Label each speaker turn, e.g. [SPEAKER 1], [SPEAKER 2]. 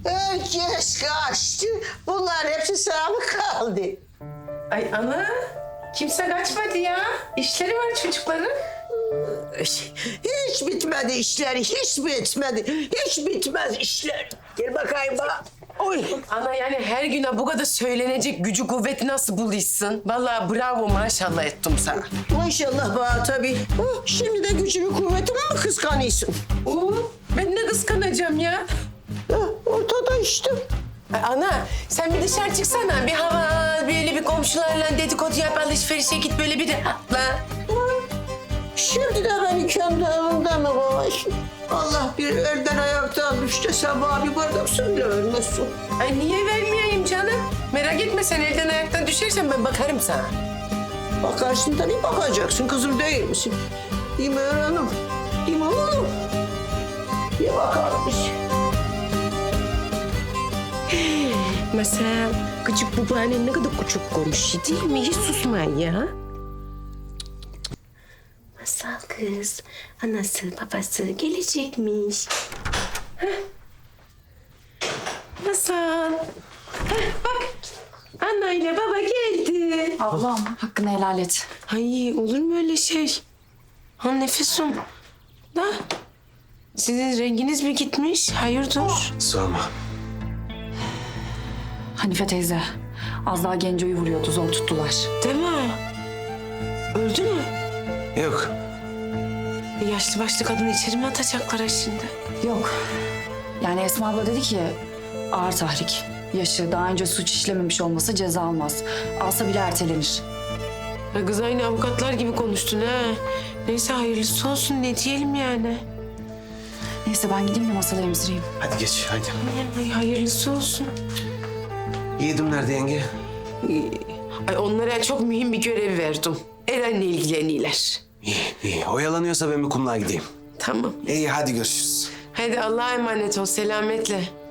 [SPEAKER 1] Herkes kaçtı. Bunlar hepsi sana mı kaldı?
[SPEAKER 2] Ay ana, kimse kaçmadı ya. İşleri var çocukların.
[SPEAKER 1] Hiç bitmedi işleri, hiç bitmedi. Hiç bitmez işler. Gel bakayım bana. Oy.
[SPEAKER 2] Ana yani her güne bu kadar söylenecek gücü kuvveti nasıl buluyorsun? Vallahi bravo maşallah ettim sana.
[SPEAKER 1] Maşallah bana tabii. Şimdi de gücümü kuvvetimi mi kıskanıyorsun?
[SPEAKER 2] Ben ne kıskanacağım ya?
[SPEAKER 1] Ortada işte.
[SPEAKER 2] Ay ana sen bir dışarı çıksana. Bir hava böyle bir komşularla dedikodu yap alışverişe git böyle bir rahatla.
[SPEAKER 1] Şimdi de beni kendi evimde mi kovarsın? Allah bir elden ayaktan düştü sabah bir bardak suyla vermesin.
[SPEAKER 2] Ay niye vermeyeyim canım? Merak etme sen elden ayaktan düşersen ben bakarım sana.
[SPEAKER 1] Bakarsın tabii bakacaksın kızım değil misin? Değil mi Hanım? Değil mi oğlum? Bir bakarmış.
[SPEAKER 2] Masal, küçük babaannen ne kadar küçük konuşuyor değil mi? Hiç susmayın ya. Masal kız, anası babası gelecekmiş. Heh. Masal. Heh, bak, anne ile baba geldi.
[SPEAKER 3] Ablam hakkını helal et.
[SPEAKER 2] Ay olur mu öyle şey? Ha nefesim. Da. Sizin renginiz mi gitmiş? Hayırdır?
[SPEAKER 4] Sorma.
[SPEAKER 3] Hanife teyze az daha Genco'yu vuruyordu, zor tuttular.
[SPEAKER 2] Değil mi? Öldü mü?
[SPEAKER 4] Yok.
[SPEAKER 2] Yaşlı başlı kadını içeri mi atacaklar ha şimdi?
[SPEAKER 3] Yok. Yani Esma abla dedi ki ağır tahrik. Yaşı daha önce suç işlememiş olması ceza almaz. Alsa bile ertelenir.
[SPEAKER 2] Ya kız aynı avukatlar gibi konuştun ha. Neyse hayırlısı olsun ne diyelim yani.
[SPEAKER 3] Neyse ben gideyim de masada emzireyim.
[SPEAKER 4] Hadi geç hadi.
[SPEAKER 2] Ay hayırlısı olsun.
[SPEAKER 4] Yiğidim nerede yenge?
[SPEAKER 2] Ay onlara çok mühim bir görev verdim. Eren'le ilgileniyorlar.
[SPEAKER 4] İyi iyi. Oyalanıyorsa ben bir kumluğa gideyim.
[SPEAKER 2] Tamam.
[SPEAKER 4] İyi hadi görüşürüz.
[SPEAKER 2] Hadi Allah'a emanet ol selametle.